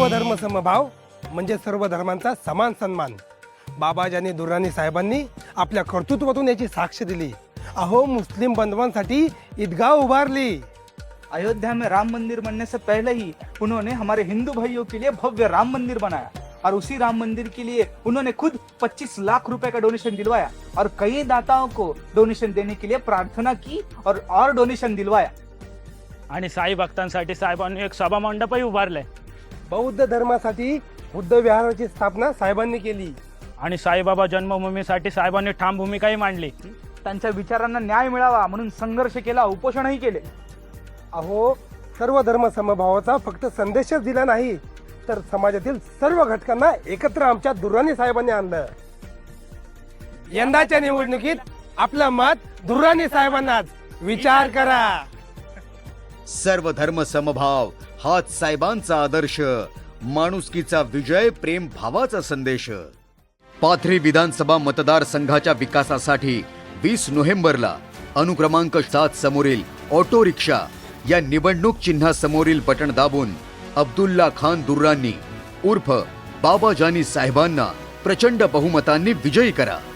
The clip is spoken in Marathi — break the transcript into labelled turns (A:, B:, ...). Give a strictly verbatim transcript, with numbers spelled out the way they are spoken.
A: सर्वधर्म समभाव म्हणजे सर्व धर्मांचा समान सन्मान। बाबाजानी दुर्राणी साहेबांनी आपल्या कर्तृत्वातून याची साक्ष दिली। अहो मुस्लिम बंधुओंसाठी ईदगाह उभारली।
B: अयोध्या में राम मंदिर बनने से पहले ही उन्होंने हमारे हिंदू भाइयों के लिए भव्य राम मंदिर बनाया और उसी राम मंदिर के लिए उन्होंने खुद पच्चीस लाख रुपए का डोनेशन दिलवाया और कई दाताओं को डोनेशन देने के लिए प्रार्थना की और और डोनेशन दिलवाया।
C: आणि साई भक्तांसाठी साहेबांनी एक सभा मंडपही उभारले।
A: बौद्ध धर्मासाठी बुद्ध विहाराची स्थापना साहेबांनी केली
C: आणि साईबाबा जन्मभूमीसाठी साहेबांनी ठाम भूमिकाही मांडली।
B: त्यांच्या विचारांना न्याय मिळावा म्हणून संघर्ष केला, उपोषणही केले।
A: अहो सर्व धर्म समभावाचा फक्त संदेशच दिला नाही तर समाजातील सर्व घटकांना एकत्र आमच्या दुर्राणी साहेबांनी आणलं। यंदाच्या निवडणुकीत आपलं मत दुर्राणी साहेबांनाच, विचार करा।
D: सर्व धर्म समभाव हाच साहेबांचा आदर्श, माणुसकीचा विजय, प्रेम भावाचा संदेश। पाथरी विधानसभा मतदारसंघाच्या विकासासाठी वीस नोव्हेंबरला अनुक्रमांक सात समोरील ऑटो रिक्षा या निवडणूक चिन्हासमोरील बटन दाबून अब्दुल्ला खान दुर्रानी उर्फ बाबाजानी साहेबांना प्रचंड बहुमतांनी विजयी करा।